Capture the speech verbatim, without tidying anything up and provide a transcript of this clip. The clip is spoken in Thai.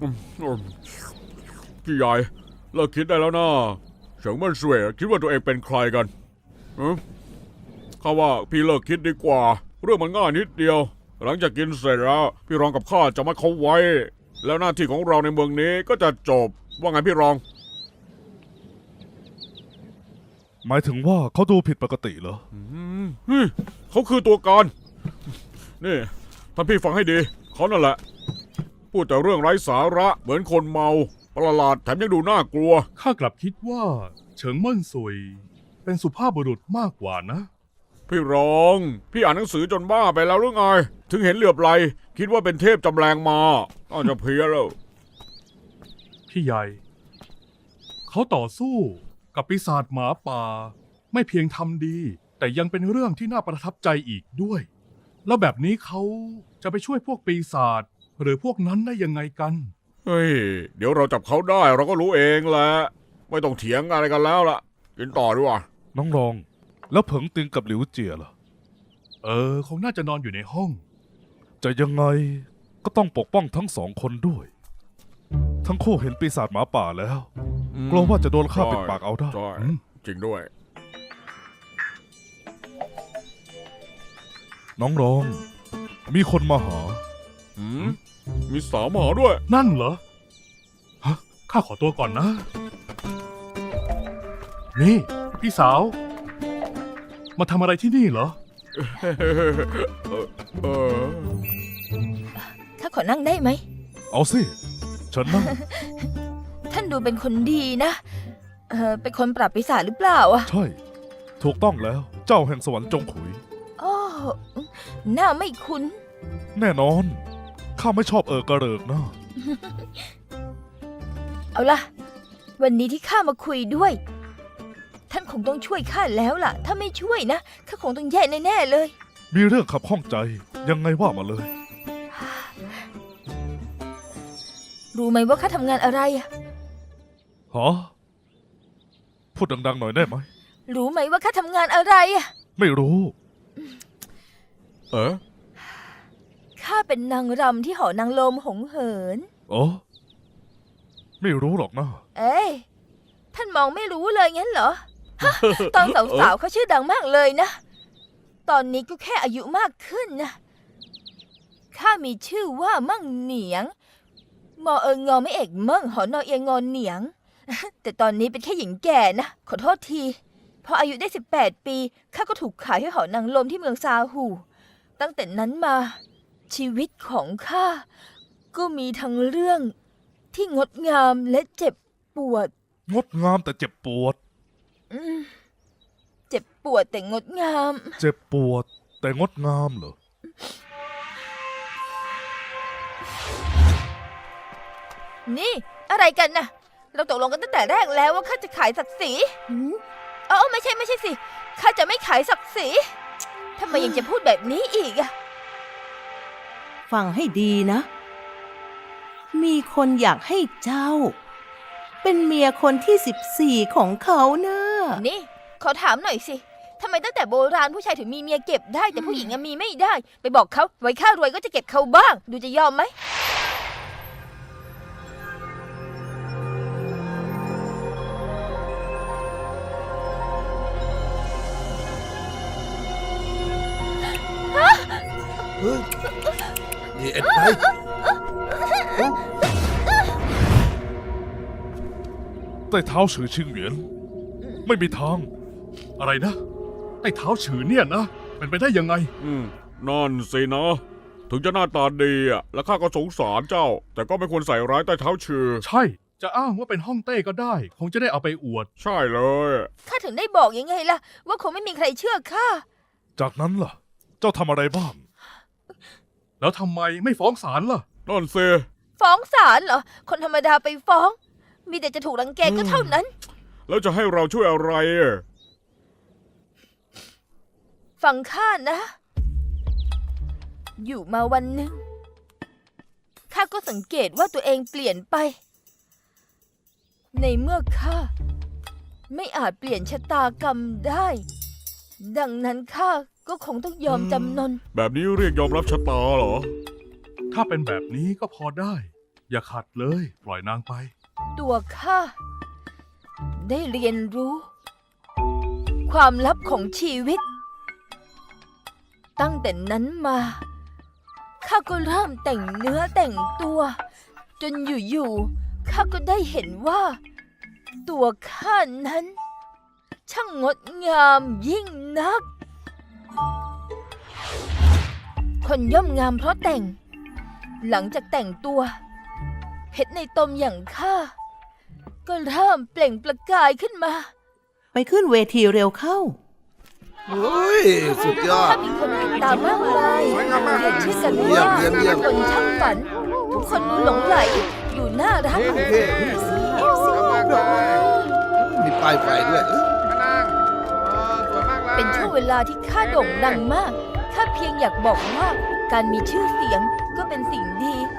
พี่ใหญ่เลิกคิดได้แล้วนะเฉิงเมินเสวยคิดว่าตัวเองเป็นใครกันข้าว่าพี่เลิกคิดดีกว่าเรื่องมันง่ายนิดเดียวหลังจากกินเสร็จแล้วพี่รองกับข้าจะมัดเขาไว้แล้วหน้าที่ของเราในเมืองนี้ก็จะจบว่าไงพี่รองหมายถึงว่าเขาดูผิดปกติเหรอเขาคือตัวการนี่ท่านพี่ฟังให้ดีเขานั่นแหละพูดแต่เรื่องไร้สาระเหมือนคนเมาประหลาดแถมยังดูน่ากลัวข้ากลับคิดว่าเฉิงเมิ่นซุยเป็นสุภาพบุรุษมากกว่านะพี่รองพี่อ่านหนังสือจนบ้าไปแล้วหรือไงถึงเห็นเหลือบไหลคิดว่าเป็นเทพจำแรงมาอ้าวจะเพี้ยแล้วพี่ใหญ่เขาต่อสู้กับปีศาจหมาป่าไม่เพียงทำดีแต่ยังเป็นเรื่องที่น่าประทับใจอีกด้วยแล้วแบบนี้เขาจะไปช่วยพวกปีศาจหรือพวกนั้นได้ยังไงกันเฮ้ยเดี๋ยวเราจับเขาได้เราก็รู้เองแหละไม่ต้องเถียงอะไรกันแล้วล่ะกินต่อดีกว่าน้องรองแล้วเผิงติงกับหลิวเจียล่ะเออคงน่าจะนอนอยู่ในห้องจะยังไงก็ต้องปกป้องทั้งสองคนด้วยทั้งคู่เห็นปีศาจหมาป่าแล้วกลัวว่าจะโดนฆ่าปิดปากเอาได้จริงด้วยน้องรองมีคนมาหาอืมมีสาวมาหาด้วยนั่นเหรอฮะข้าขอตัวก่อนนะนี่พี่สาวมาทำอะไรที่นี่เหรอข้าขอนั่งได้ไหมเอาสิฉันนั่งท่านดูเป็นคนดีนะเออเป็นคนปราบปีศาจหรือเปล่าอะใช่ถูกต้องแล้วเจ้าแห่งสวรรค์จงขุยโอ้หน้าไม่คุ้นแน่นอนข้าไม่ชอบเออกระเริกนะเอาล่ะวันนี้ที่ข้ามาคุยด้วยท่านคงต้องช่วยข้าแล้วล่ะถ้าไม่ช่วยนะข้าคงต้องแย่แน่ๆเลยมีเรื่องขับข้องใจยังไงว่ามาเลยรู้ไหมว่าข้าทำงานอะไรอะฮะพูดดังๆหน่อยได้ไหมรู้ไหมว่าข้าทำงานอะไรอะไม่รู้เออข้าเป็นนางรำที่หอนางลมหงเหินอ๋อไม่รู้หรอกนะเอ้ยท่านมองไม่รู้เลยงั้นเหรอตอนสาวๆเขาชื่อดังมากเลยนะตอนนี้ก็แค่อายุมากขึ้นนะข้ามีชื่อว่ามั่งเหนียงมอเอิงงอไม่เอกมั่งหอนอเอียงงอนเหนียงแต่ตอนนี้เป็นแค่หญิงแก่นะขอโทษทีพออายุได้สิบแปดปีข้าก็ถูกขายให้หอนางลมที่เมืองซาหูตั้งแต่นั้นมาชีวิตของข้าก็มีทั้งเรื่องที่งดงามและเจ็บปวดงดงามแต่เจ็บปวดเจ็บปวดแต่งดงามเจ็บปวดแต่งดงามเหรอนี่อะไรกันนะเราตกลงกันตั้งแต่แรกแล้วว่าข้าจะขายศักดิ์ศรีเออไม่ใช่ไม่ใช่สิข้าจะไม่ขายศักดิ์ศรีทำไมยังจะพูดแบบนี้อีกอะฟังให้ดีนะมีคนอยากให้เจ้าเป็นเมียคนที่สิบสี่ของเขานะนี่ขอถามหน่อยสิทำไมตั้งแต่โบราณผู้ชายถึงมีเมียเก็บได้แต่ผู้หญิงยังมีไม่ได้ไปบอกเขาไว้ข้ารวยก็จะเก็บเขาบ้างดูจะยอมไหมเฮ้ยนี่เอ็ดไปใต้เท้าฉือชิงเหวียนไม่มีทางอะไรนะใต้เท้าฉือเนี่ยนะเป็นไปได้ยังไงอืมนั่นสินะถึงจะหน้าตาดีอ่ะแล้วข้าก็สงสารเจ้าแต่ก็ไม่ควรใส่ร้ายใต้เท้าฉือใช่จะอ้างว่าเป็นฮ่องเต้ก็ได้คงจะได้เอาไปอวดใช่เลยข้าถึงได้บอกยังไงล่ะว่าคงไม่มีใครเชื่อข้าจากนั้นล่ะเจ้าทำอะไรบ้างแล้วทำไมไม่ฟ้องศาลล่ะนั่นสิฟ้องศาลเหรอคนธรรมดาไปฟ้องมีแต่จะถูกรังแกก็เท่านั้นแล้วจะให้เราช่วยอะไรฟังข้านะอยู่มาวันหนึ่งข้าก็สังเกตว่าตัวเองเปลี่ยนไปในเมื่อข้าไม่อาจเปลี่ยนชะตากรรมได้ดังนั้นข้าก็คงต้องยอมจำนนแบบนี้เรียกยอมรับชะตาเหรอถ้าเป็นแบบนี้ก็พอได้อย่าขัดเลย ปล่อยนางไปตัวข้าได้เรียนรู้ ความลับของชีวิต ตั้งแต่นั้นมาข้าก็เริ่มแต่งเนื้อแต่งตัว จนอยู่ๆข้าก็ได้เห็นว่า ตัวข้านั้น ช่างงดงามยิ่งนัก คนย่อมงามเพราะแต่ง หลังจากแต่งตัว เพชรในตมอย่างข้าก็เริ่มเปล่งประกายขึ้นมาไปขึ้นเวทีเร็วเข้าเฮ้ย สุดยอดถ้ามีคนติดตามมากมายเรียกชื่อกันเยี่ยว่ามเยี่ยมเยี่ยมคนช่างฝัน ทุกคนดูหลงไหล อยู่น่ารักโอเคมีป้ายไฟด้วยเอ้ยเป็นช่วงเวลาที่ข้าโด่งดังมาก ข้าเพียงอยากบอกว่าการมีชื่อเสียงก็เป็นสิ่งดี